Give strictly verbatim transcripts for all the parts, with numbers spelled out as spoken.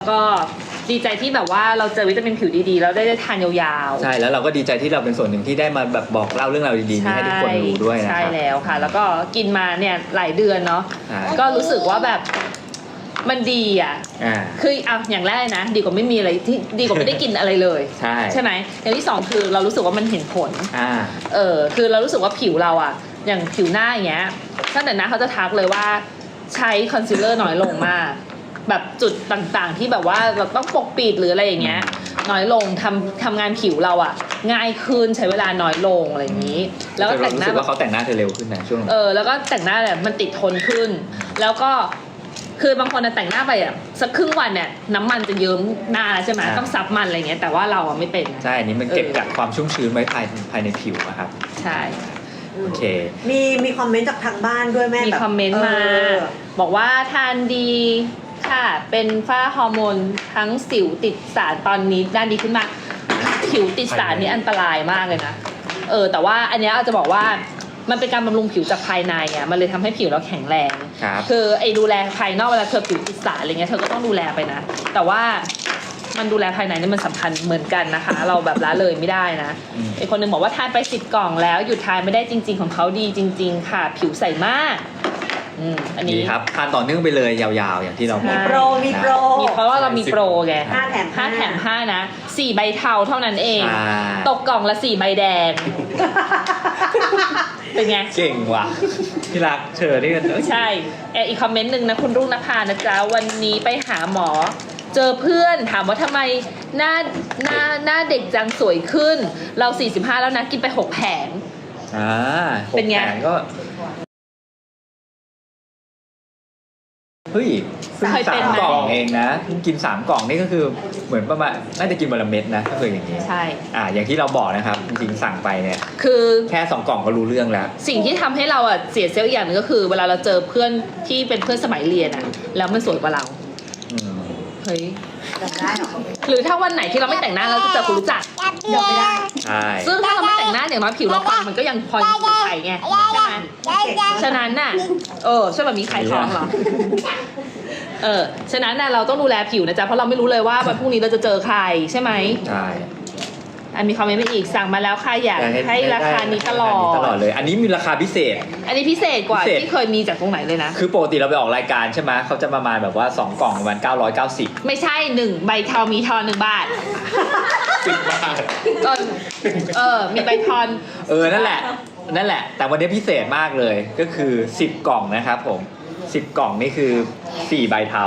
ก็ดีใจที่แบบว่าเราเจอวิตามินผิวดีๆแล้วได้ทานยาวๆใช่แล้วเราก็ดีใจที่เราเป็นส่วนหนึ่งที่ได้มาแบบบอกเล่าเรื่องราวดีๆนี้ให้ทุกคนรู้ด้วยนะครับใช่แล้วค่ะแล้วก็กินมาเนี่ยหลายเดือนเนาะก็รู้สึกว่าแบบมันดีอ่ะคือเอาอย่างแรกนะดีกว่าไม่มีอะไรที่ดีกว่าไม่ได้กินอะไรเลยใช่ใช่ไหมอย่างที่สองคือเรารู้สึกว่ามันเห็นผลเออคือเรารู้สึกว่าผิวเราอ่ะอย่างผิวหน้าอย่างเงี้ยตั้งแต่หน้าเขาจะทักเลยว่าใช้คอนซีลเลอร์น้อยลงมากแบบจุดต่างๆที่แบบว่าเราต้องปกปิดหรืออะไรอย่างเงี้ยน้อยลงทำทำงานผิวเราอะง่ายขึ้นใช้เวลาน้อยลงอะไรอย่างนี้แล้วก็แต่งหน้ารู้สึกว่าเขาแต่งหน้าเธอเร็วขึ้นนะช่วงเออแล้วก็แต่งหน้าแบบมันติดทนขึ้นแล้วก็คือบางคนแต่งหน้าไปอะสักครึ่งวันเนี่ยน้ำมันจะเยิ้มหน้าใช่ไหมต้องซับมันอะไรเงี้ยแต่ว่าเราอะไม่เป็นใช่อันนี้มันเก็บกักความชุ่มชื้นไว้ภายภายในผิวนะครับใช่โอเคมีมีคอมเมนต์จากทางบ้านด้วยแม่มีคอมเมนต์มาบอกว่าทานดีค่ะเป็นฝ้าฮอร์โมนทั้งสิวติดสารตอนนี้ด้านดีขึ้นมากผิวติดสารนี่อันตรายมากเลยนะเออแต่ว่าอันนี้อาจจะบอกว่ามันเป็นการบำรุงผิวจากภายในอ่ะมันเลยทำให้ผิวเราแข็งแรงคือไอ้ดูแลภายนอกเวลาเธอผิวติดสารอะไรเงี้ยเธอก็ต้องดูแลไปนะแต่ว่ามันดูแลภายในนี่มันสำคัญเหมือนกันนะคะเราแบบละเลยไม่ได้นะไอ้คนนึงบอกว่าทานไปสิบกล่องแล้วหยุดทานไม่ได้จริงๆของเขาดีจริงๆค่ะผิวใสมากอันนี้ครับทานต่อเนื่องไปเลยยาวๆอย่างที่เราบอกมีโปรมีโปรมีเพราะว่าเรามีโปรไงห้าแถมห้าแถมห้านะสี่ใบเทาเท่านั้นเองตกกล่องละสี่ใบแดงเป็นไงเก่งว่ะพี่รักเชิญนี่กันใช่อีกคอมเมนต์หนึ่งนะคุณรุ่งนภานะจ๊ะวันนี้ไปหาหมอเจอเพื่อนถามว่าทำไมหน้าหน้าหน้าเด็กจังสวยขึ้นเราสี่สิบห้าแล้วนะกินไปหกแผงอ่าเป็นไงก็เฮ้ยสามกล่องเองนะกินสามกล่องนี่ก็คือเหมือนประมาณน่าจะกินวันละเม็ดนะก็คืออย่างนี้ใช่อ่าอย่างที่เราบอกนะครับจริงๆสั่งไปเนี่ยคือแค่สองกล่องก็รู้เรื่องแล้วสิ่งที่ทำให้เราอ่ะเสียเซลล์อย่างนึงก็คือเวลาเราเจอเพื่อนที่เป็นเพื่อนสมัยเรียนอ่ะแล้วมันสวยกว่าเราเฮ้ยหรือถ้าวันไหนที่เราไม่แต่งหน้าเราจะเจอคนรู้จักเดี๋ยวไม่ได้ใช่ซึ่งถ้าเราไม่แต่งหน้าอย่างน้อยผิวเราปังมันก็ยังพออยู่ไข่ไงใช่ไหมฉะนั้นน่ะเออใช่แบบมีไข่ท้องเหรอเออฉะนั้นน่ะเราต้องดูแลผิวนะจ๊ะเพราะเราไม่รู้เลยว่าวันพรุ่งนี้เราจะเจอใครใช่ไหมใช่อันมีคอมเมนต์มาอีกสั่งมาแล้วค่ะอยากให้ราคานี้ตลอดตลอดเลยอันนี้มีราคาพิเศษอันนี้พิเศษกว่าที่เคยมีจากตรงไหนเลยนะคือปกติเราไปออกรายการใช่ไหมเขาจะประมาณแบบว่าสองกล่องประมาณเก้าร้อยเก้าสิบไม่ใช่หนึ่งใบทอนมีทอนหนึ่งบาทสิบบาทเออมีใบทอนเออนั่นแหละนั่นแหละแต่วันนี้พิเศษมากเลยก็คือสิบกล่องนะครับผมสิบกล่องนี่คือสี่ใบเทา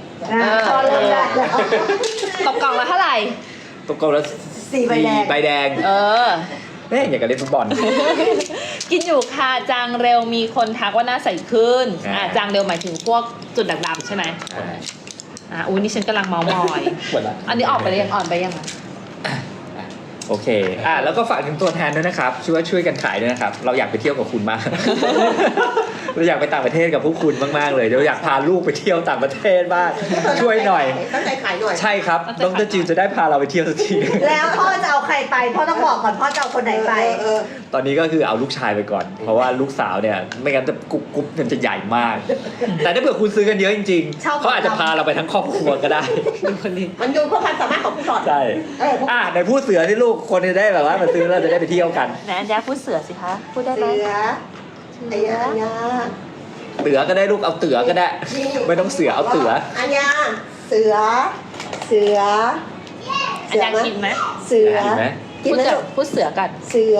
ตกกล่องละเท่าไหร่ตกกล่องละสี่ใบแดงใบแดงเออเอ๊ะอยากจะเล่นฟุตบอลกินอยู่ค่ะจางเร็วมีคนทักว่าหน้าใสขึ้นอ่าจางเร็วหมายถึงพวกจุดด่างดำใช่ไหมอ่าอุ้ยนี่ฉันกำลังเมามอยอันนี้ออกไปยังอ่อนไปยังโอเคอ่ะแล้วก็ฝากถึงตัวแทนด้วยนะครับช่วยช่วยกันขายด้วยนะครับเราอยากไปเที่ยวกับคุณมาก เราอยากไปต่างประเทศกับพวกคุณมากๆเลยเราอยากพาลูกไปเที่ยวต่างประเทศบ้างช่วยหน่อยตั้งใจขายหน่อยใช่ครับดร.จิวจะได้พาเราไปเที่ยวสักทีแล้วพ่อจะเอาใครไปพ่อต้องบอกก่อนพ่อจะเอาคนไหนไปตอนนี้ก็คือเอาลูกชายไปก่อนเพราะว่าลูกสาวเนี่ยไม่งั้นจะกุ๊บกุ๊บมันจะใหญ่มากแต่ถ้าเผื่อคุณซื้อกันเยอะจริงๆเขาอาจจะพาเราไปทั้งครอบครัวก็ได้มันอยู่กับความสามารถของผู้สอนใช่อ่ะในพูดเสือที่ลูกคนจะได้แบบว่ามาซื้อเราจะได้ไปเที่ยวกันไหนอันยาพูดเสือสิคะพูดได้ไหมเสืออันยาอันยาเตือก็ได้ลูกเอาเตือก็ได้ไม่ต้องเสือเอาเตืออันยาเสือเสืออันยากินไหมเสือพูดเสือพูดเสือกันเสือ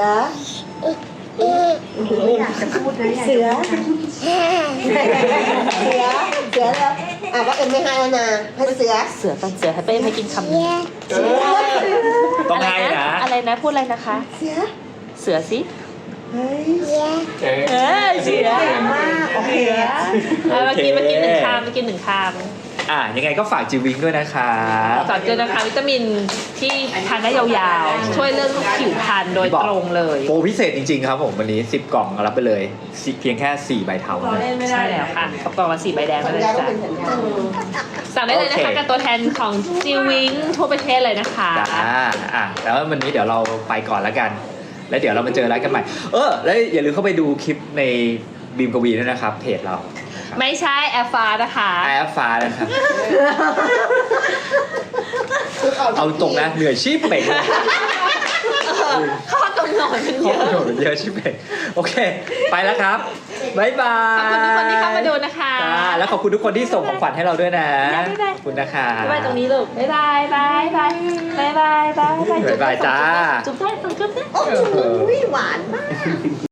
ไม่อยากจะพูดนะเสือเสือเสือแล้วอ่ะว่าเอ็มไม่ให้แล้วนะให้เสือเสือกันเสือให้เป้ไม่กินคำนี้ต้องให้นะอะไรนะพูดอะไรนะคะเสือเสือสิเฮ้ยเออเสือมากโอเคมากินมากินหนึ่งคำมากินหนึ่งคำอ่ะยังไงก็ฝากจิวิงด้วยนะคะฝากเจอนะคะวิตามินที่ทานได้ยาวๆช่วยเรื่องผิวพรรณโดยตรงเลยโปรพิเศษจริงๆครับผมวันนี้สิบกล่องรับไปเลยเพียงแค่สี่ใบเทาใช่แล้วค่ะกล่องละสี่ใบแดงไปเลยจ้ะสั่งได้เลยนะคะกับตัวแทนของจิวิงทั่วประเทศเลยนะคะอ่าอ่ะแล้ววันนี้เดี๋ยวเราไปก่อนแล้วกันแล้วเดี๋ยวเรามาเจอร้านกันใหม่เออแล้วอย่าลืมเข้าไปดูคลิปในบีมกวีด้วยนะครับเพจเราไม่ใช่แอร์ฟ้านะคะแอร์ฟ้านะครับ เอาตรงนะเหนื่อยชีพเป่งเลยข้อกำหนดมันขเยอบอะคุณเยอะชิบเป่งโอเค ไปแล้วครับบ๊ายบายขอบคุณทุกคนที่เข้ามาดูนะคะจ้าแล้วขอบคุณทุกคนที่ส่งของขวัญให้เราด้วยนะบ๊ายบายขอบคุณนะคะบ๊ายบายตรงนี้ลูกบ๊ายบายบายบายบายบายบายบายบ๊ายบายจ้าจุ๊บได้จุ๊บได้โอ้โหหวานมาก